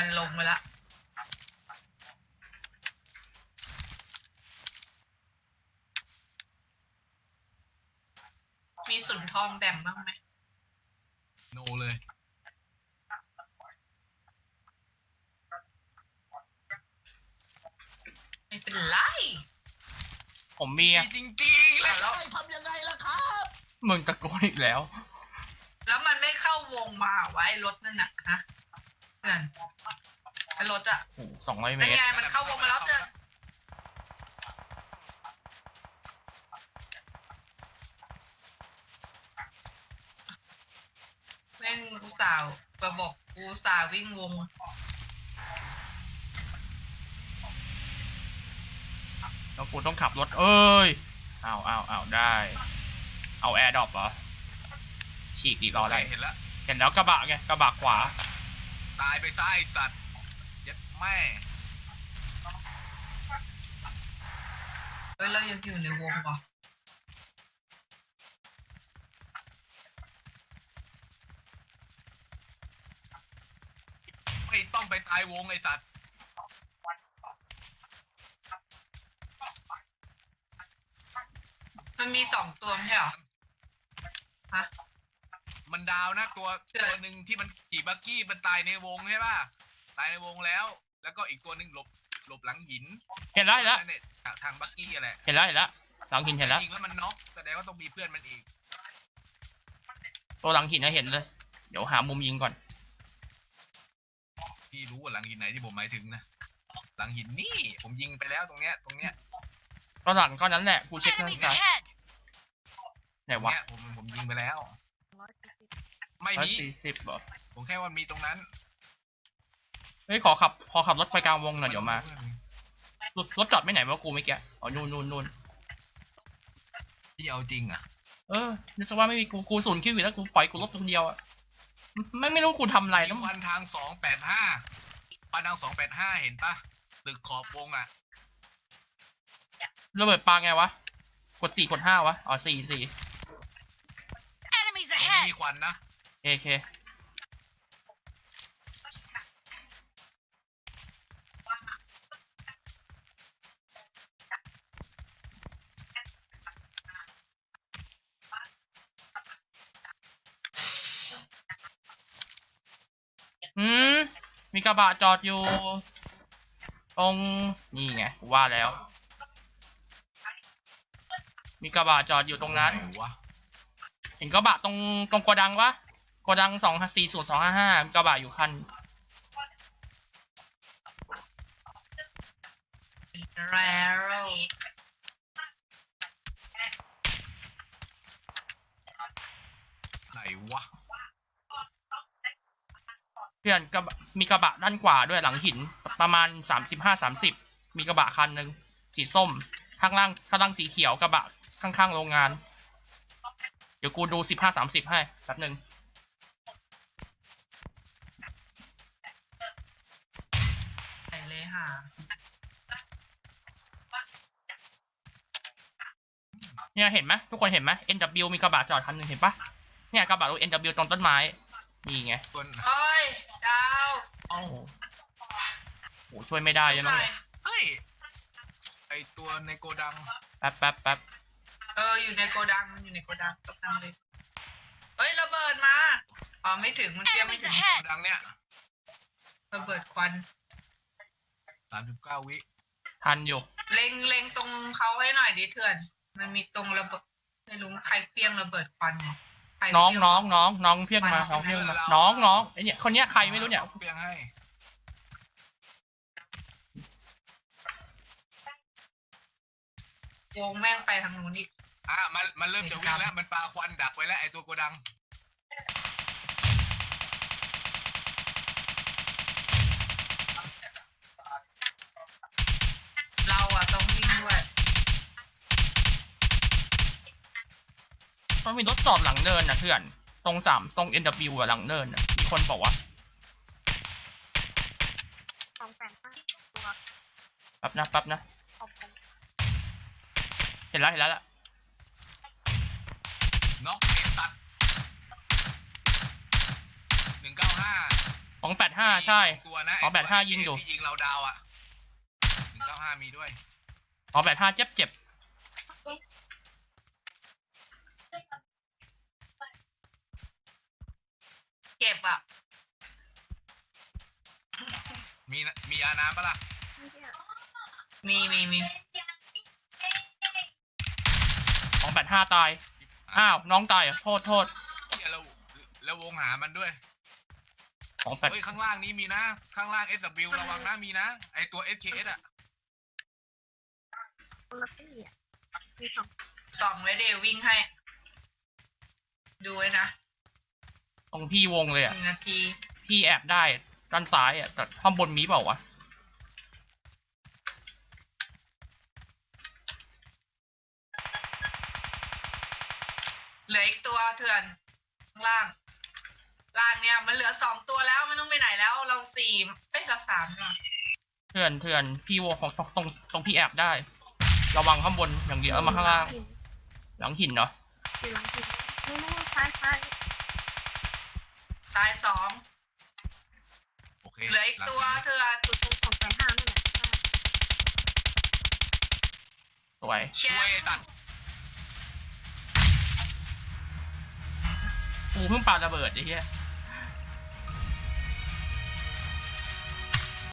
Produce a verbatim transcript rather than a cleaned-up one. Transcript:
มันลงไปละมีสุนทองแบ่งบ้างไหมโนเลยไม่เป็นไรผมมีอะจริงๆแล้วทำยังไงล่ะครับมึงตะโกนอีกแล้วแล้วมันไม่เข้าวงมาไว้รถนั่นน่ะฮะเพื่อนไอ้รถอะโอ้สองร้อยเมเป็นตรไงมันเข้าวงมาแล้วเพื่อนแม่งอุตส่าห์ระบบอุตส่าห์วิ่งวงแล้วกูต้องขับรถเอ้ยอ้าวอ้าวอ้าวได้เอาแอร์ดรอปเหรอฉีกอีกรออะไรเห็นแล้วเห็นแล้วกระบะไงกระบะขวาตายไปซะไอสัตว์ยัดแม่เฮ้ยเรายังอยู่ในวงป่ะไม่ต้องไปตายวงไอสัตว์มันมีสองตัวไม่ใช่เหรอฮะมันดาวนะตัวตัวหนึ่งที่มันขี่บักกี้มันตายในวงใช่ป่ะตายในวงแล้วแล้วก็อีกตัวหนึ่งหลบหลบหลังหินเห็นแล้วเห็นแล้วทางบักกี้อะไรเห็นแล้วเห็นแล้วหลังหินเห็นแล้วยิงแล้วมันน็อกแสดงว่าต้องมีเพื่อนมันอีกตัวหลังหินนะเห็นเลยเดี๋ยวหามุมยิงก่อนพี่รู้ว่าหลังหินไหนที่ผมหมายถึงนะหลังหินนี่ผมยิงไปแล้วตรงเนี้ยตรงเนี้ยก็หลังก็นั้นแหละกูเช็คข้างซ้ายไหนวะผมผมยิงไปแล้วไม่มีสี่สิบเหรอผมแค่ว่ามีตรงนั้นเฮ้ยขอขับขอขับรถไปกลางวงหน่อยเดี๋ยวมารถรถจอดไม่ไหนวะกูไม่แกอ๋อนู่นนู่นนู่นที่เอาจริงอ่ะเออนึกว่าไม่มีกูกูศูนย์คิวอยู่แล้วกูปล่อยกูรถคนเดียวอ่ะไม่ไม่รู้กูทำอะไรแล้ววันทางสองแปดห้าปันทางสองแปดห้าเห็นปะตึกขอบวงอ่ะระเบิดปาไงวะกดสี่กดห้าวะอ๋อสี่สี่มีควันนะโอเคอืมมีกระบะจอดอยู่ตรงนี่ไงกูว่าแล้วมีกระบะจอดอยู่ตรงนั้นเห็นกระบะตรงตรงโกดังวะโกดังสองสี่ศูนย์สองห้าห้ากระบะอยู่คันแล้วไหนวะเพื่อนกระบะมีกระบะด้านขวาด้วยหลังหินประมาณสามสิบห้าสามสิบมีกระบะคันหนึ่งสีส้มข้างล่างข้างล่างสีเขียวกระบะข้างๆโรงงานเดี๋ยวกูดูสิบห้าสามสิบให้แป๊บหนึ่งไหนเลยค่ะเนี่ยเห็นไหมทุกคนเห็นไหม เอ็น ดับเบิลยู มีกระบะจอดคันหนึ่งเห็นปะเนี่ยกระบะรถ เอ็น ดับเบิลยู ตรงต้นไม้นี่ไงเฮ้ยดาวโอ้โหช่วยไม่ได้ยังไงเฮ้ยไอตัวในโกดังแป๊บแป๊บแป๊บเอออยู่ในโกดังมันอยู่ในโกดังกำลังเลยเฮ้ยระเบิดมาอ๋อไม่ถึงมันเตรียมไม่ถึงโกดังเนี้ยระเบิดควันสามสิบเก้าวิทันอยู่เล็งเล็งตรงเขาให้หน่อยดิเถื่อนมันมีตรงระเบิดไม่รู้ใครเพี้ยงระเบิดควันน้องน้องน้องน้องเพี้ยงมาน้องเพี้ยงมาน้องน้องไอเนี่ยคนเนี้ยใครไม่รู้เนี่ยเพี้ยงให้โยงแม่งไปทางนู้นอีกอ่ะมันมันเริ่มจะวิ่งแล้วมันปาควันดักไว้แล้วไอตัวโกดังเราอะต้องวิ่งด้วยมันมีรถจอดหลังเนินนะเพื่อนตรงสามตรง เอ็น ดับเบิลยู อะหลังเนินนะมีคนบอกว่าแป๊บนะแป๊บนะเห็นแล้วเห็นแล้วล่ะน็อกตัดหนึ่งเก้าห้าสองแปดห้าใช่ตัวนะอ๋อแปดห้ายิงอยู่ที่ยิงเราดาวอ่ะหนึ่งเก้าห้ามีด้วยอ๋อแปดห้าเจ็บเจ็บเก็บอ่ะมีนะมีอาน้ำปะล่ะมีมีมีสองแปดห้าตายอ้าวน้องตายเหรอโทษโทษเหี้ยแล้วแล้ววงหามันด้วยสองแปดเฮ้ยข้างล่างนี้มีนะ ข้างล่าง เอส ดับเบิลยู ระวังนะมีนะไอตัว เอส เค เอส อ่ะส่องไว้เดี๋ยววิ่งให้ ดูไว้นะตรงพี่วงเลยหอ่ะนึ่งนาทีพี่แอบได้ด้านซ้ายอ่ะแต่ข้างบนมีเปล่าวะเหลืออีกตัวเถื่อนข้างล่าง ล่างเนี่ยมันเหลือสองตัวแล้วไม่ต้องไปไหนแล้ว เราสี่เอ้ยเราสามเนี่ยเถื่อนเถื่อนพี่วงของตรงตรงตรงพี่แอบได้ ระวังข้างบนอย่างเดียวเอามาข้างล่างหลังหินเนาะอยู่หลังหินนู่นๆซ้ายซ้ายตายสองโอเคเหลืออีกตัวเถื่อนจุดตรงสองแปดห้านั่นแหละสวยแชช่วยมไอ้ตัดป์กูเพิ่งปาระเบิดไอ้เหี้ย